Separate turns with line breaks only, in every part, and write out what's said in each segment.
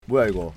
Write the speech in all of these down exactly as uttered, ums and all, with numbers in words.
뭐야 이거?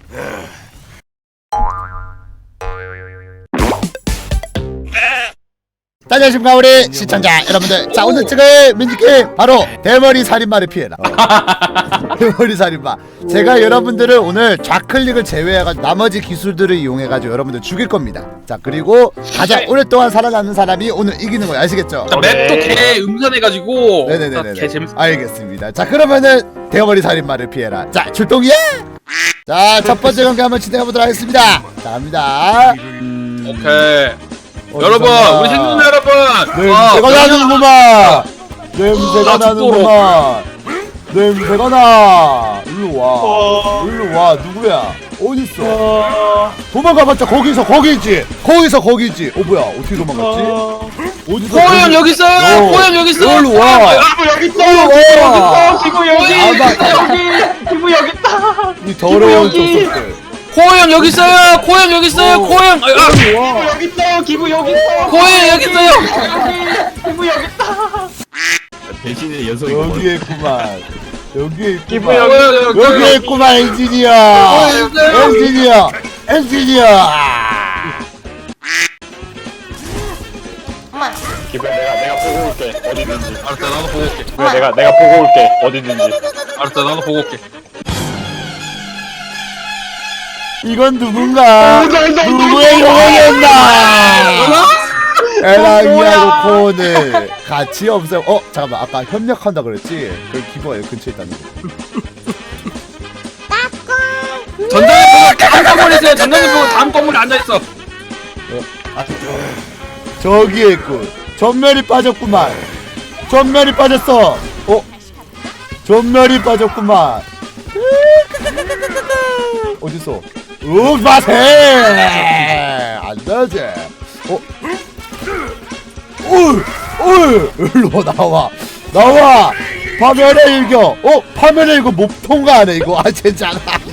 안녕하십니까 우리 시청자 여러분들. 자 오늘 찍을 민지게임 바로 대머리 살인마를 피해라. 어. 대머리 살인마. 제가 여러분들을 오늘 좌클릭을 제외해가지고 나머지 기술들을 이용해가지고 여러분들 죽일 겁니다. 자 그리고 가장 오랫동안 살아남는 사람이 오늘 이기는 거예요. 아시겠죠?
자, 맵도 개 음산해가지고
네네네네.
개 재밌어.
알겠습니다. 자 그러면은 대머리 살인마를 피해라. 자 출동이야. 자 첫 번째 경기 한번 진행해보도록 하겠습니다. 자 갑니다. 음...
오케이.
어디서
여러분,
나...
우리 생존자 여러분.
냄새가 나는구만. 냄새가
아,
나는구만. 냄새가 나. 일로 와. 일로 와. 누구야? 어딨어? 도망가봤자 거기서 거기지. 거기서 거기지. 어 뭐야? 어떻게 도망갔지? 어디서?
호영 여기 있어요.
어.
호영 여기 있어.
일로 와.
여러분 여기 있어.
일로 와.
기부 여기.
아마-
여기. 기부 여기 있다.
이 더러운
여기.
족속들.
호영 여기 있어요. 호영 여기 있어요.
어.
호영. 아, 아.
일로 와.
기부 여기 있어. 기부 여기 있어.
호영 여기 있어요.
여기. 기부 여기 있다.
대신에 연속이
여기에 있구만. 여기에
기부
있구만.
여기.
여기에 있구만 엔지니어. 엔지니어. 엔지니어.
기부야 내가 내가 보고 올게. 어디 있는지.
알았다, 나도 보고 올게.
기부야 내가 내가 보고 올게. 어디 있는지.
알았다, 나도 보고 올게.
이건 누군가? 누구의 영혼이었나? 에랑이하고 코온을 같이 없애. 어 잠깐만 아까 협력한다 그랬지? 그 기부가 여기 근처에 있다는 거.
전장에 보고 다음 건물에 있어요. 전장에 보고 다음 건물에 앉아 있어.
아, 저기에 있군. 전멸이 빠졌구만. 전멸이 빠졌어. 어? 전멸이 빠졌구만. 어딨어? 우 마세! 안 되지. 어? 울! 울! 일로 나와. 나와! 파멸의 일격! 어? 파멸의 일격 못 통과하네 이거. 아 진짜.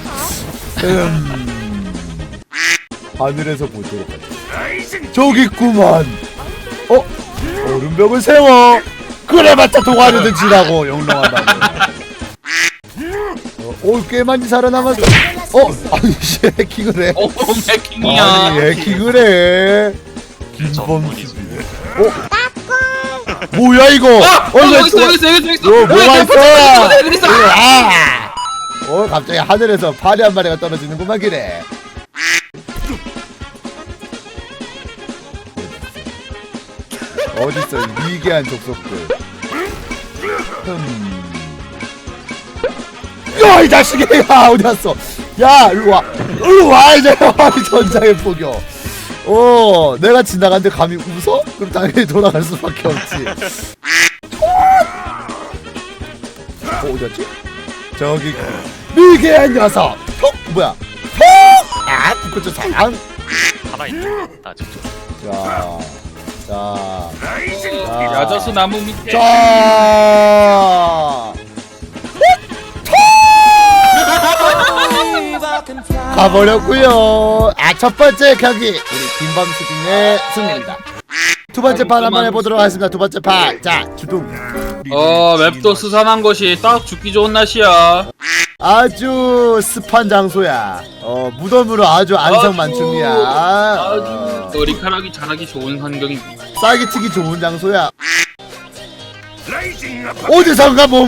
음... 하늘에서 보도록 하자. 저기 있구만. 어? 얼음벽을 세워. 그래봤자 동화르든 지라고 영롱하다고. 어, 오, 꽤 많이 살아남았어. 어? 아니 씨 해킹을 해.
오, 해킹이야.
아니 해킹을 해. 김범수. 어? 뭐야 이거?
어, 어,
왜
여기 있어,
또-
여기 있어, 여기 있어, 여기 있어.
어, 뭐가
여기
있어?
여기 있어.
아! 어 갑자기 하늘에서 파리 한 마리가 떨어지는구만 기래. 어딨어 이 미개한 족속들. 흠. 야 이 자식이. 야 어디 갔어? 야 일로 와. 일로 와 이제. 이 전장의 포격. 어 내가 지나갔는데 감히 웃어? 그럼 당연히 돌아갈 수밖에 없지. 어 어디였지? 저기 미개한 녀석. 톡 뭐야? 톡. 아 북극초 사랑.
살아있다 직접.
자, 자, 자,
야자수 나무 밑에.
자, 가버렸고요. 아, 첫 번째 경기 우리 김범수님의 승리입니다. 두 번째 판 한번 해보도록 하겠습니다. 두 번째 판, 자, 주둥.
어, 맵도 스산한 것이 딱 죽기 좋은 날씨야.
아주 습한 장소야. 어, 무덤으로 아주 안성만춤이야.
아주
어,
머리카락이 자라기 좋은 환경입니다.
쌀기 튀기 좋은 장소야. 어디선가 뭐?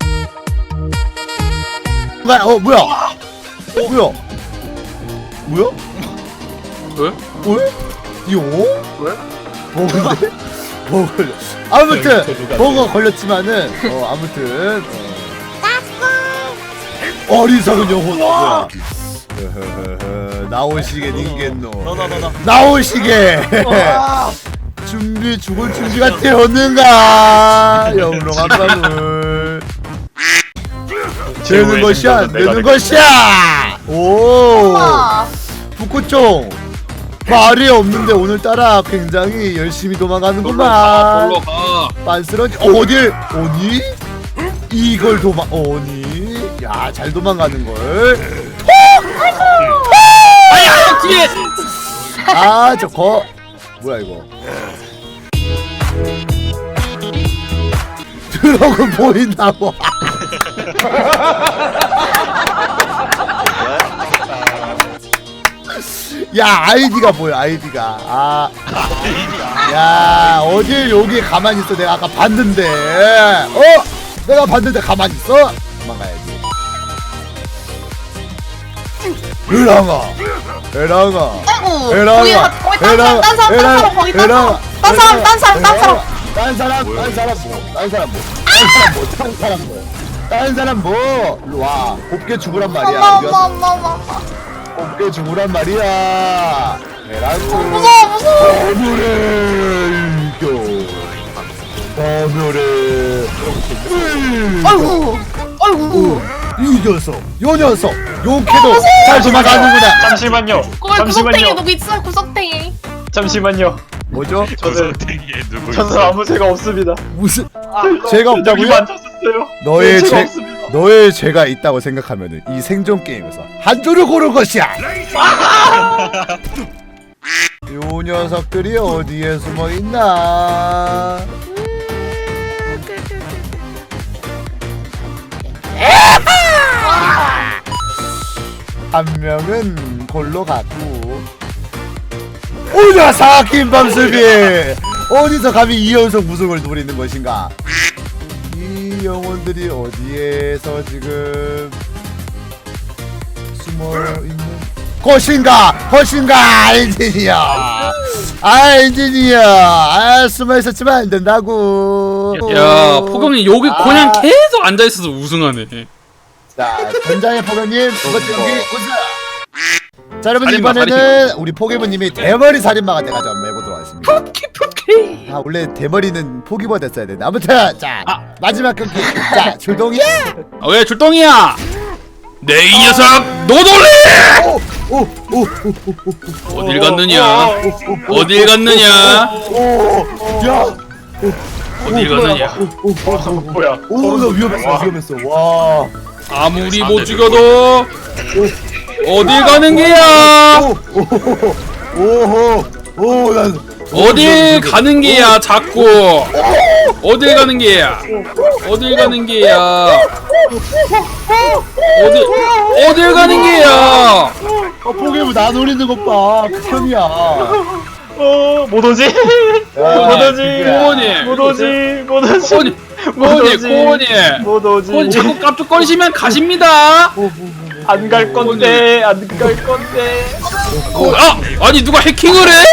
어 뭐야? 어 뭐야? 뭐야?
왜?
왜? 이거?
왜?
버그인데? 버그 걸려. 아무튼 버그 걸렸지만은 어 아무튼 어. 어리석은 영혼 뭐야? 흐흐흐흐, 나오시게 닌겐노. 나오시게. 준비 죽을 준비가 되었는가? 영롱한 밤을 되는 것이야, 되는 것이야. 오, 북구총 말이 없는데 오늘따라 굉장히 열심히 도망가는구만.
놀러 가.
빤스러지 어딜? 어니? 이걸 도망 어니? 야, 잘 도망가는 걸.
아야 뒤에.
아, 저거 뭐야 이거? 드럭은 보인다고. 야 아이디가 뭐야 아이디가 아. 야 어딜 여기 가만히 있어 내가 아까 봤는데 어? 내가 봤는데 가만히 있어? 도망가야지 에랑아 에랑아
아이고
에랑아
거기 가- 거기 딴 사람 딴 사람 딴 사람 거기 딴 사람 딴 사람 딴 사람 딴 사람
딴 사람 딴 사람 뭐딴 사람 뭐딴 사람 뭐딴 사람 뭐 일로 와 곱게 죽으란 말이야
엄마
우리
엄마 엄마 엄마 엄마.
곱게 죽으란 말이야 에라고
무서워 무서워
범효를 이겨 범효를
아이고 아이고
이 녀석 요 녀석 욕해도 잘 도망가는구나
잠시만요.
거기 구석탱이
잠시만요.
누구 있어 구석탱이
잠시만요.
뭐죠?
저는
땡기에 누구
저는
있어?
아무 죄가 없습니다.
무슨 죄가 없다고요?
여기 만졌었어요.
너의
죄가
죄
없습니다.
너의 죄가 있다고 생각하면은 이 생존 게임에서 한 줄을 고를 것이야. 요 녀석들이 어디에 숨어 있나? 한 명은 골로 갔고. 오 녀석 김범수비 어디서 감히 이 연속 우승을 노리는 것인가? 이 영혼들이 어디에서 지금 숨어 있는 것인가? 것인가? 엔지니어. 아 엔지니어. 아 숨어 있었지만 안 된다고.
야 포경이 여기
아.
그냥 계속 앉아 있어서 우승하네.
자 전장의 포경님 두 번째 경기 우승. 자 여러분
살인마,
이번에는 우리 포기부님이 대머리 살인마가 돼가지고 한번 해보도록 하겠습니다. 아 원래 대머리는 포기버 됐어야 되는데 아무튼 자
아.
마지막 경기 자 출동이야.
아, 왜 출동이야? 내 이 녀석 노돌리!
오오오오오오
어딜 갔느냐? 어딜 갔느냐?
야
어딜 갔느냐?
뭐야?
오나 위험했어 위험했어 와
아무리 못 죽여도 어딜 가는 게야?
오호 오난
어딜 가는 게야 자꾸? 어딜 가는 게야? 어딜 가는 게야? 어딜 어딜 가는 게야?
포기부 나 노리는 것봐 극혐이야.
어, 못 오지? 못 오지?
고원이
못 오지? 못 오지?
고원이 고원이 고원이
못 오지?
고원이 자꾸 깝죽거리시면 가십니다.
안 갈 건데, 안 갈 건데.
고, 아 아니 누가 해킹을 해?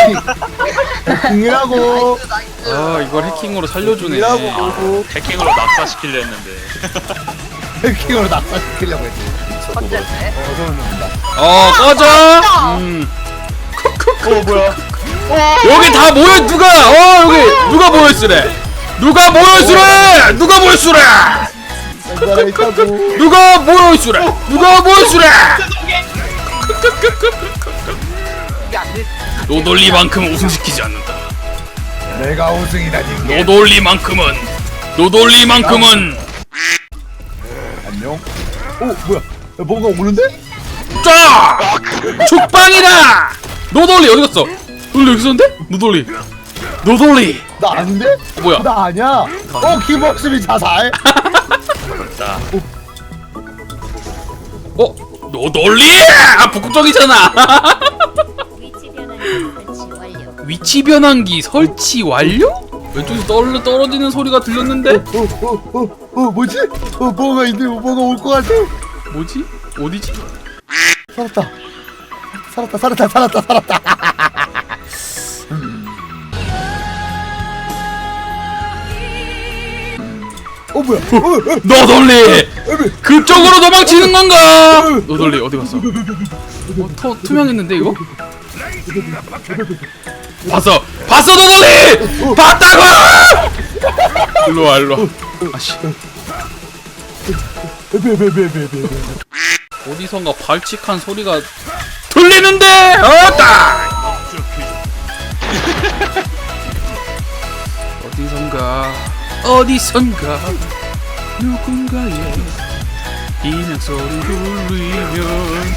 궁이라고
아 이걸 해킹으로 살려주네.
궁이라고
해킹으로 낙사시키려 했는데
해킹으로 낙사시키려고 했지. 어쨌네. 어서는 놈다.
어 꺼져. 음.
어, 뭐야?
여기 다 모여 누가 어 여기 누가 모였으래? 누가 모였으래? 누가 모였으래?
나라 있다고.
누가 모였으래? 누가 모였으래? 노돌리만큼 우승시키지 않는다.
내가 우승이다니.
노돌리만큼은 노돌리만큼은
안녕. 오 뭐야? 야, 뭔가 오는데?
쫙 죽방이다. 노돌리 어디 갔어? 노돌리 여기 있었는데? 노돌리 노돌리
나 아닌데?
어, 뭐야?
나 아니야. 어 김복수비 자살.
나
어 노돌리 아 북극적이잖아.
위치 변환기 설치 완료.
위치 변환기 설치 완료? 왼쪽에서 떨어 떨어지는 소리가 들렸는데
어어어어 어, 뭐지? 어 뭐가 있네. 뭐가 올 것 같아.
뭐지? 어디지?
살았다. 살았다. 살았다. 살았다. 살았다. 어 뭐야? 어, 어,
노돌리
어,
그쪽으로 도망치는 건가? 노돌리 어디 갔어? 어, 터, 투명했는데 이거? 봤어! 봤어 노돌리! 봤다고! 일로와 일로와 아씨
베베베베베베.
어디선가 발칙한 소리가 들리는데! 어따! 어디선가 어디선가 누군가의 비명 소리 울리면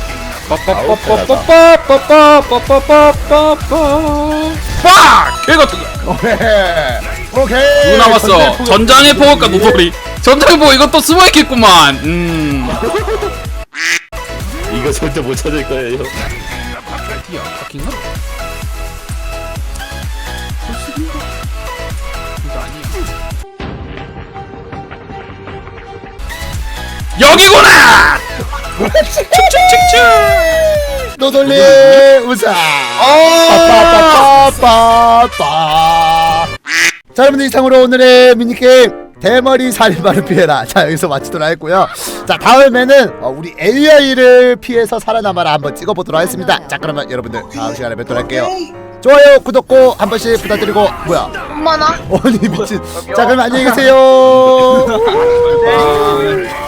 빠빠빠빠빠빠빠빠빠빠빠 빡! 개 같은 거
오케이. 오케이.
누구 남았어?
전쟁
전장의 포격과 노돌이 전장의 포격 이것도 숨어있겠구만 음
이거 절대 못 찾을 거예요.
어디야? 바뀐가? 이거 아니야. 여기구나!
노돌리 우사. 빠빠빠빠빠. 자, 여러분들 이상으로 오늘의 미니게임 대머리 살인마를 피해라. 자, 여기서 마치도록 하겠고요. 자, 다음에는 어, 우리 에이아이를 피해서 살아남아라 한번 찍어보도록 하겠습니다. 자, 그러면 여러분들 다음 시간에 뵙도록 할게요. 좋아요, 구독 꼭 한 번씩 부탁드리고. 뭐야?
엄마나
어니 미친. 자, 그럼 안녕히 계세요.
바이바이.